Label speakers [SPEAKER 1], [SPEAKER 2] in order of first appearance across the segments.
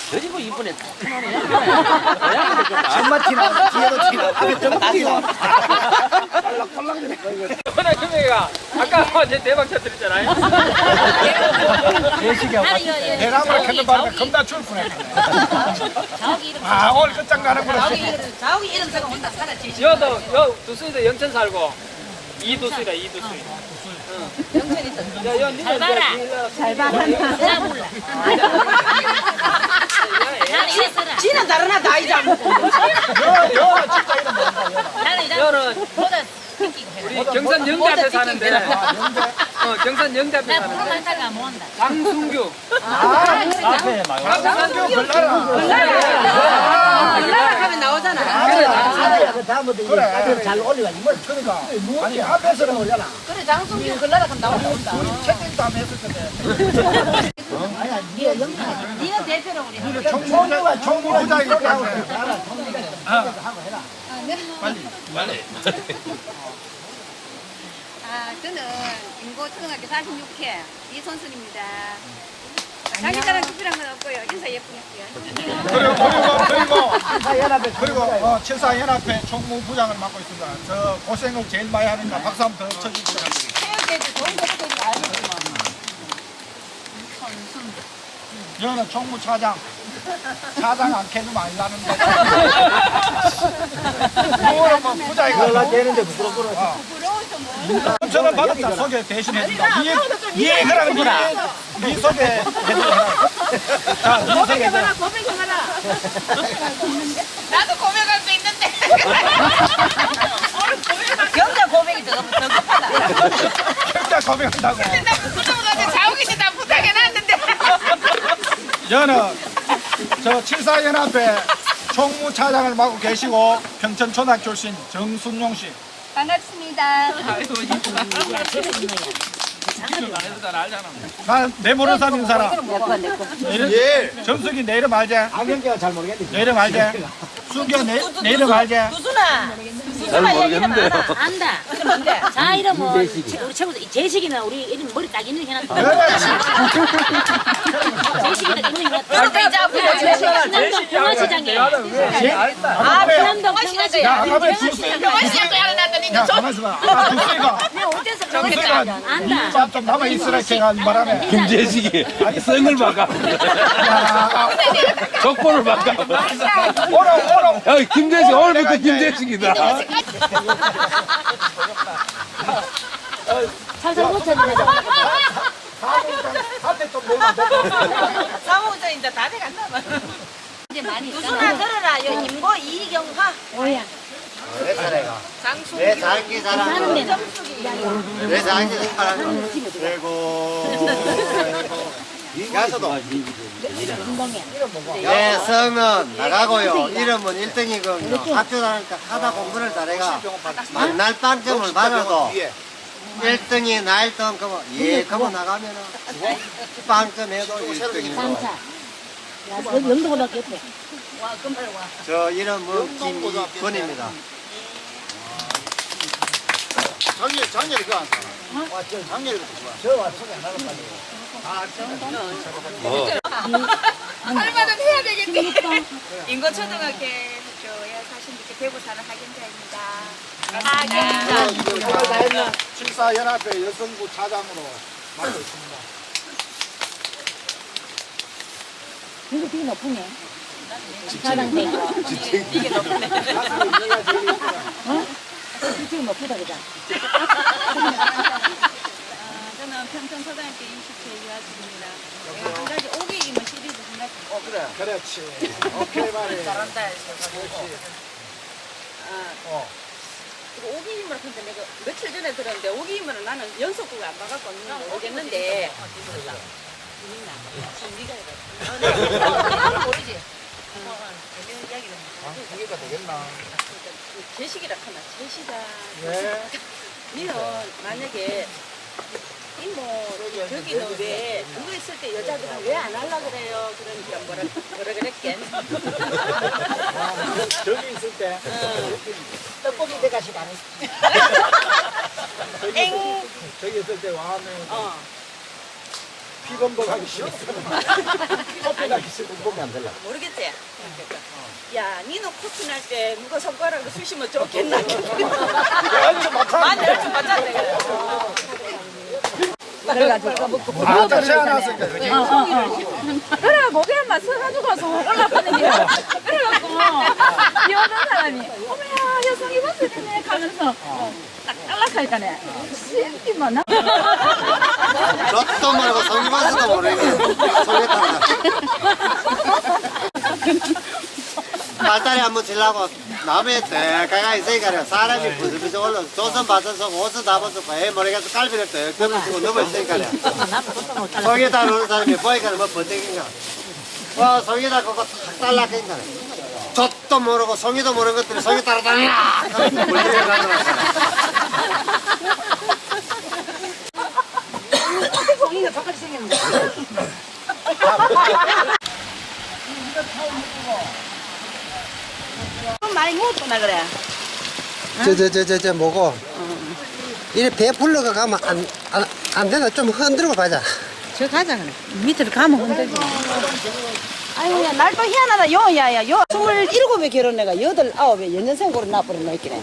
[SPEAKER 1] 저지고 이번에
[SPEAKER 2] 정말 티나 뒤에도 티나 앞에 좀 티나
[SPEAKER 3] 워낙 금액이가 아까 제 대박 터뜨렸잖아요.
[SPEAKER 2] 대나무를 캔는 바람에 겁나 출분해. 아 오늘 끝장나는구나.
[SPEAKER 4] 자욱이 이런 데가 온다 살아 제시.
[SPEAKER 3] 여 두수이도 영천 살고 이두수이다 이두수이.
[SPEAKER 4] 잘 봐라. 잘 봐. 나 몰라. 나는 이랬어라. 지는 다르나 다 이자 먹고.
[SPEAKER 2] 여 진짜 이름 뭔가.
[SPEAKER 4] 나는 이자
[SPEAKER 3] 여는
[SPEAKER 4] 보다 웃기고 해.
[SPEAKER 3] 우리 경산 영대 앞에 사는데 경산 영대 앞에
[SPEAKER 4] 나
[SPEAKER 3] 사는데
[SPEAKER 4] 프로만 따가 뭐 한다.
[SPEAKER 3] 장순규
[SPEAKER 1] 앞에 막
[SPEAKER 2] 장상규 걸라라.
[SPEAKER 4] 올라가 가면 나오잖아.
[SPEAKER 2] 그 다음부터 이제 잘 올리가 이걸 그러니까 아니 앞에서는 올려라.
[SPEAKER 4] 그래 장순기 걸라라 하면 나온다.
[SPEAKER 2] 채팅도 안 했을 텐데. 아니야 니가 영상.
[SPEAKER 4] 니는 대표로 우리.
[SPEAKER 2] 니는 정부부장이기 때문에. 하고 해라.
[SPEAKER 5] 아, 저는 인고초등학교 46회 이선순입니다. 자기 자랑 특별한 건 없고요. 인사 예쁘게 할게요.
[SPEAKER 2] 그리고 칠사연합회 총무부장을 맡고 있습니다. 저 고생을 제일 많이 하니까 박수 한번 더 쳐주시죠.
[SPEAKER 4] 체육대회도 좋은 것도 알겠지만.
[SPEAKER 2] 여는 총무차장. 차장 안 캐도 많이 나는데. 그거는 뭐 부자이가. 연락되는데 부끄럽구나. 저는 받았다. 소개 대신 해준다. 예, 그러면 네 소개 해주라. 자, 네 소개 해줘라.
[SPEAKER 4] 고백해봐라. 나도 고백할 수 있는데. 경자 고백이 더 급하다.
[SPEAKER 2] 진짜 고백한다고.
[SPEAKER 4] 나 부끄러워서 자욱이 씨 나 부탁해놨는데.
[SPEAKER 2] 저는 저 칠사연합회 총무차장을 맡고 계시고 평천초등학교 출신 정순용 씨.
[SPEAKER 5] 반갑습니다.
[SPEAKER 2] 난 내 모르는 사람인 사람.
[SPEAKER 1] 예.
[SPEAKER 2] 정숙이 내 이름 알지?
[SPEAKER 1] 안경제가 잘 모르겠는데.
[SPEAKER 2] 내 이름 알지? 수기야 내 이름 알지?
[SPEAKER 4] 두순아.
[SPEAKER 1] 잘 모르겠는데요.
[SPEAKER 6] 안다.
[SPEAKER 4] 뭔데?
[SPEAKER 6] 자 이름은 우리 최고 제식이는 우리 이름 머리 딱 있는 게 해놨다.
[SPEAKER 2] 그렇지.
[SPEAKER 6] 제식이다 있는 게
[SPEAKER 4] 너도 이제 앞으로
[SPEAKER 6] 신남동 평화시장에.
[SPEAKER 4] 아,
[SPEAKER 6] 신남동 평화시장.
[SPEAKER 2] 야, 가만히 두수이가.
[SPEAKER 4] 평화시장도 해놨더니
[SPEAKER 2] 야, 가만히 있어봐. 아, 두수이가.
[SPEAKER 6] 어째서
[SPEAKER 2] 두수이가
[SPEAKER 6] 평화시장 안다.
[SPEAKER 2] 좀 남아 있으라 제가 바람에.
[SPEAKER 7] 김재식이 성을 바꿔
[SPEAKER 2] 야,
[SPEAKER 7] 족보를 바꿔
[SPEAKER 2] 오라.
[SPEAKER 7] 야 김재식 오늘부터 김재식이다
[SPEAKER 6] 살살 고쳐주네.
[SPEAKER 2] 한테 좀 내면 안 돼.
[SPEAKER 4] 사무장 이제 다 돼간다.
[SPEAKER 6] 이제 많이
[SPEAKER 4] 두순아 들어라. 여 임고 이경화.
[SPEAKER 6] 뭐야?
[SPEAKER 1] 내 사례가.
[SPEAKER 4] 장수.
[SPEAKER 1] 내 자기
[SPEAKER 6] 사는
[SPEAKER 1] 사랑.
[SPEAKER 6] 데는
[SPEAKER 1] 내 자기 사랑. 그리고 가서도 내 성은 나가고요. 이름은 1등이거든요. 학교 다니까 하다 공부를 잘해가 만날 빵점을 받아도 1등이 나 1등 그러면 그러면 나가면은 빵점 해도 1등이고
[SPEAKER 6] 장차. 야, 여기 영도고등학교 옆에.
[SPEAKER 4] 와, 금발 와.
[SPEAKER 1] 저 이름은 김이권입니다. 작년에 그거 안 사나? 작년에 그거
[SPEAKER 5] 얼마 좀 해야 되겠네. 인고초등학교에 사신 분께 대구 사는 학연자입니다.
[SPEAKER 4] 하경자.
[SPEAKER 2] 칠사연합회 여성부 차장으로 맡고 있습니다.
[SPEAKER 6] 이거 되게 높으네. 사장대.
[SPEAKER 4] 이게 높네.
[SPEAKER 6] 어? 지금 높다 그자.
[SPEAKER 5] 저는 평촌초등학교 20회 유아집입니다. 한 가지 오기이면 시리즈 하나.
[SPEAKER 2] 그래. 그렇지. 오케이 말이.
[SPEAKER 4] 잘한다.
[SPEAKER 8] 오기임을 근데 내가 며칠 전에 들었는데 오기임을 나는 연속곡을 안 봐갖고 모르겠는데
[SPEAKER 4] 나는 모르지.
[SPEAKER 2] 이해가 되겠나?
[SPEAKER 8] 제식이라 하나 제시가
[SPEAKER 2] 네.
[SPEAKER 8] 니는 만약에 이모 저기는 왜 그거 있을 때 여자들은 왜 안 하려 그래요? 그러니까 뭐라 그랬겠?
[SPEAKER 2] 저기 있을 때 떡볶이 대가시 많이. 저기 있을 때 와하면 피검도 가기 싫어. 커피 가기 싫어. 보면 안 될라.
[SPEAKER 8] 모르겠지? 야, 니는 코피 날 때 누가 손가락을 쑤시면 좋겠나? 많이 좀 맞았네.
[SPEAKER 2] 아, 딱 세워놨으니까.
[SPEAKER 5] 그래 목에만 서가지고 가서 올라가는 게 그래갖고 비오는 사람이 어머야 여성이 버스네 가면서 딱 연락하니까네 신기만 나
[SPEAKER 1] 저도 말고 성기바스도 모르겠네. 속에 탄다. 발다리 한번 치려고 남의 대가가 있으니까 사람이 부스부스 올라 조선 받아서 옷을 다 벗고 애 모르겠어 깔비를 또 덮어치고 넘어있으니까 속에다 놓는 사람이 보니까 뭐 번뜩인가 속에다 그거 탁 달라니까 저도 모르고 송이도 모르는 것들이 속에 따라 달라 하면서 물리게 가더라고.
[SPEAKER 6] 송이가 똑같이 생겼는데.
[SPEAKER 8] 좀 많이 먹었구나, 그래.
[SPEAKER 1] 저 뭐고 이래 배 풀러가 가면 안 되나 좀 흔들고 가자.
[SPEAKER 6] 저 가자 그래. 밑으로 가면 흔들지.
[SPEAKER 8] 아유, 야, 날 또 희한하다. 야야, 27에 결혼해가 8, 9에 연년생고로 나버렸나, 있기네.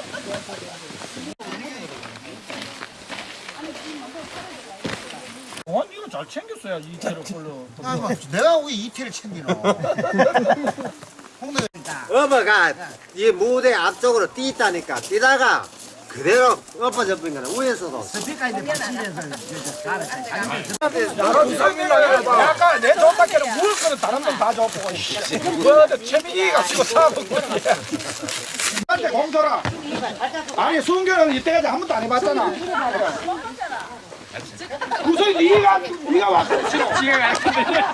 [SPEAKER 2] 이거 잘 챙겼어야 이태로 걸로.
[SPEAKER 1] 내가 왜 이태를 챙기노? 어머가 이 무대 앞쪽으로 뛰다니까 뛰다가 그대로 엎어져 버린 거는 위에서도
[SPEAKER 2] 약간 내 돈밖에는 먹을 거는 다른 건 다 줘보고. 뭐 채민이가 지고 사먹는 거야. 한테 공소라. 아니 수은교는 이때까지 한 번도 안 해봤잖아. 무슨 네가 와서 지금 지가 가르쳤는데.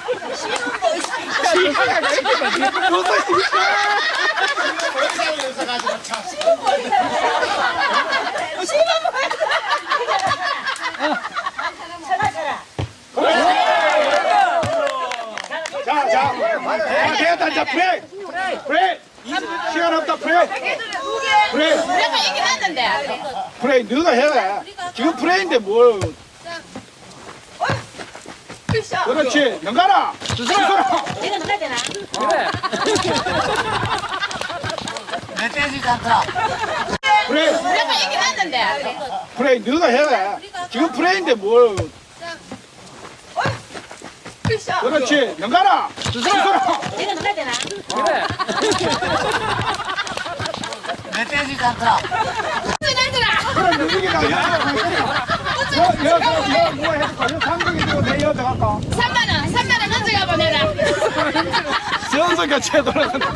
[SPEAKER 2] 지가 가르쳤는데. 무슨 자, 브레이크! 시간 없다, 브레이크!
[SPEAKER 5] 내가 얘기했는데
[SPEAKER 2] 브레이크, 너가 해라. 지금 브레이크인데 뭘. 그렇지, 연가라! 주소라!
[SPEAKER 6] 내가 나가야 되나?
[SPEAKER 1] 멧돼지 않다.
[SPEAKER 2] 브레이크,
[SPEAKER 5] 내가 얘기했는데
[SPEAKER 2] 브레이크, 너가 해라. 지금 브레이크인데 뭘. 그렇지, 연가라! 주소라!
[SPEAKER 6] 내가 나가야 되나?
[SPEAKER 1] 멧돼지 않다.
[SPEAKER 2] 그럼 누구기가 여자 뭐 해줄까? 여 상동이 들고 내 여자 갈까?
[SPEAKER 5] 3만 원 가져가 보내라.
[SPEAKER 2] 전성가 채도라는.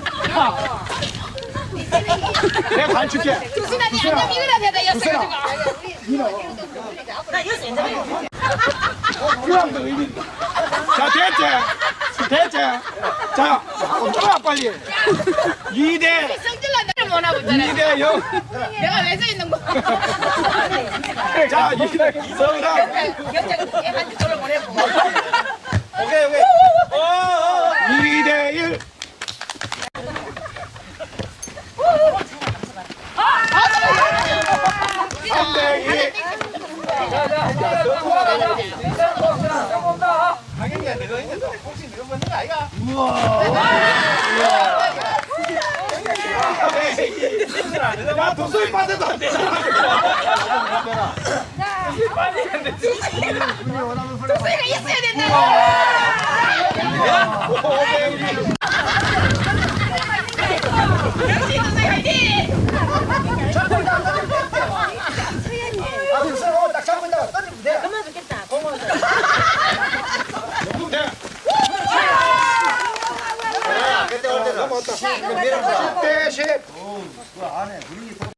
[SPEAKER 2] 내가 가르칠게.
[SPEAKER 5] 두순아니 안녕 이거라 대다 였어가지고.
[SPEAKER 6] 나 여기서 옛날에
[SPEAKER 2] 그럼도 의미. 자, 됐지? 자, 좀 빨리. 2대
[SPEAKER 5] 성질난 나를 못하고 있잖아.
[SPEAKER 2] 2대 0.
[SPEAKER 5] 내가 왜 서 있는 거야?
[SPEAKER 2] 자, 2대 성남.
[SPEAKER 8] 경찰 애한테 전화 보내고.
[SPEAKER 2] 오케이. 2대 1. 야, 도수이 빠져도 안 되잖아.
[SPEAKER 5] 독수리가 있어야 된다. 역시 독수리 화이팅!
[SPEAKER 2] 딱 잡고 있다가 던지면 돼.
[SPEAKER 6] 그만 좋겠다.
[SPEAKER 1] 그때 올 때는
[SPEAKER 2] 넘어왔다. 10대 10.